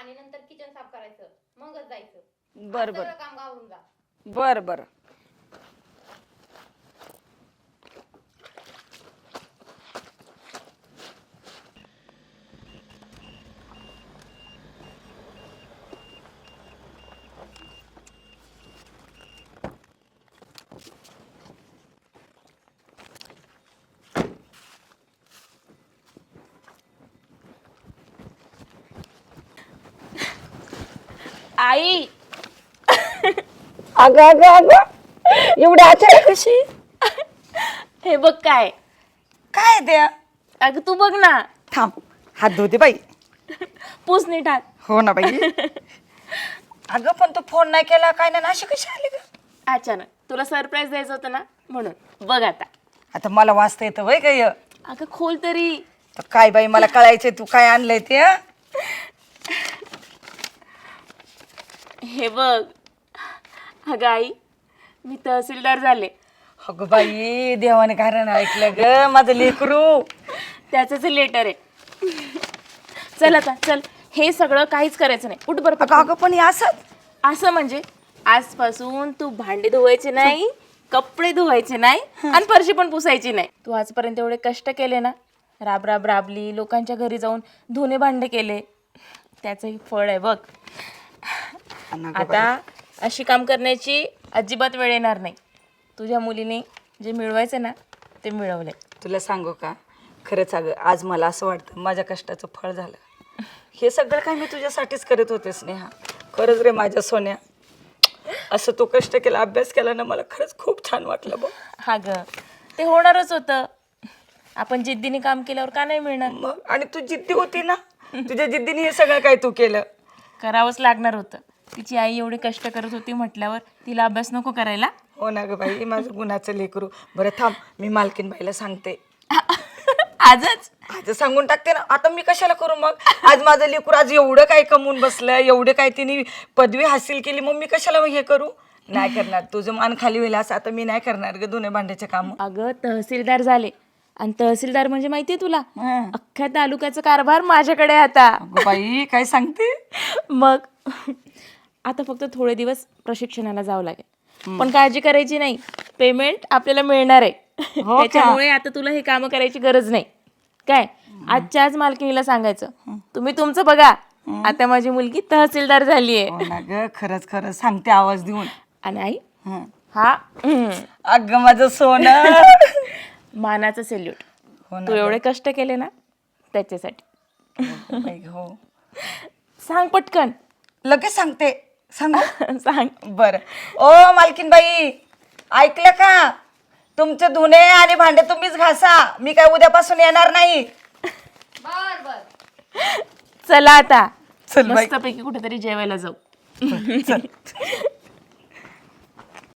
आणि नंतर किचन साफ करायचं, मगच जायचं. बर बर सगळं काम गावरून जा. बर बर. आई अगं अगं अगं एवढी अचानक कशी? हे बघ काय. काय द्या? अगं तू बघ ना. थांब, हात धुते बाई. पूस नीट हात. हो ना बाई. अगं पण तू फोन नाही केला काय ना, अशी कशी आली ग? अचानक तुला सरप्राईज द्यायचं होतं ना, म्हणून बघ आता. आता मला वाचता येतं वय काय? अगं खोल तरी. तर काय बाई, मला कळायचंय तू काय आणलंय ते. हे बघ. अगं आई, मी तहसीलदार झाले. अगं बाई, देवाने कारण ऐकलं ग माझं लेकरू. त्याचंच लेटर आहे. चल आता चल, हे सगळं काहीच करायचं नाही. उठ बरं अगं पटकन. अगं पण हे असं असं म्हणजे आजपासून तू भांडे धुवायचे नाही, कपडे धुवायचे नाही आणि फरशी पण पुसायची नाही. तू आजपर्यंत एवढे कष्ट केले ना, राब राब राबली, लोकांच्या घरी जाऊन धुणे भांडे केले, त्याचंही फळ आहे बघ. आता अशी काम करण्याची अजिबात वेळ येणार नाही. तुझ्या मुलीने जे मिळवायचं ना ते मिळवलंय. तुला सांगू का, खरंच अगं आज मला असं वाटतं माझ्या कष्टाचं फळ झालं. हे सगळं काय मी तुझ्यासाठीच करत होते स्नेहा. खरंच रे माझ्या सोन्या, असं तू कष्ट केला, अभ्यास केला ना, मला खरंच खूप छान वाटलं बघ. हा ग, ते होणारच होतं. आपण जिद्दीने काम केल्यावर का नाही मिळणार? मग आणि तू जिद्दी होती ना, तुझ्या जिद्दीने हे सगळं काय तू केलं. करावंच लागणार होतं. तिची आई एवढी कष्ट करत होती म्हटल्यावर तिला अभ्यास नको करायला? हो ना ग बाई, माझं गुणाचं लेकरू. बरं थांब, मी मालकीन बाईला सांगते. आजच? आज सांगून टाकते ना. आता मी कशाला करू मग? आज माझं लेकरू आज एवढं काय कमवून बसलं, एवढे काय तिने पदवी हासिल केली, मग मी कशाला हे करू? नाही करणार. तुझं मान खाली होईल असं आता मी नाही करणार ग धुणे भांड्याचे काम. अगं तहसीलदार झाले, आणि तहसीलदार म्हणजे माहितीये तुला, अख्ख्या तालुक्याचा कारभार माझ्याकडे आहे आता. बाई काय सांगते? मग आता फक्त थोडे दिवस प्रशिक्षणाला जावं लागेल, पण काळजी करायची नाही, पेमेंट आपल्याला मिळणार आहे. त्याच्यामुळे आता तुला हे काम करायची गरज नाही. काय आजच्या आज मालकिनीला सांगायचं, तुम्ही तुमचं बघा, आता माझी मुलगी तहसीलदार झालीये. हो ना ग, खरंच खरंच सांगते आवाज देऊन. आणि आई, हा अगं माझं सोनं. मानाचं सेल्यूट. हो ना तू एवढे कष्ट केले ना त्याच्यासाठी. बाई, हो सांग पटकन. लगेच सांगते. सांग. सांग. बर. ओ मालकीन बाई, ऐकलं का? तुमचे धुणे आणि भांडे तुम्हीच घासा, मी काय उद्यापासून येणार नाही. बर बर. चला आता चल बाई. मस्तपैकी कुठेतरी जेवायला जाऊ. चल.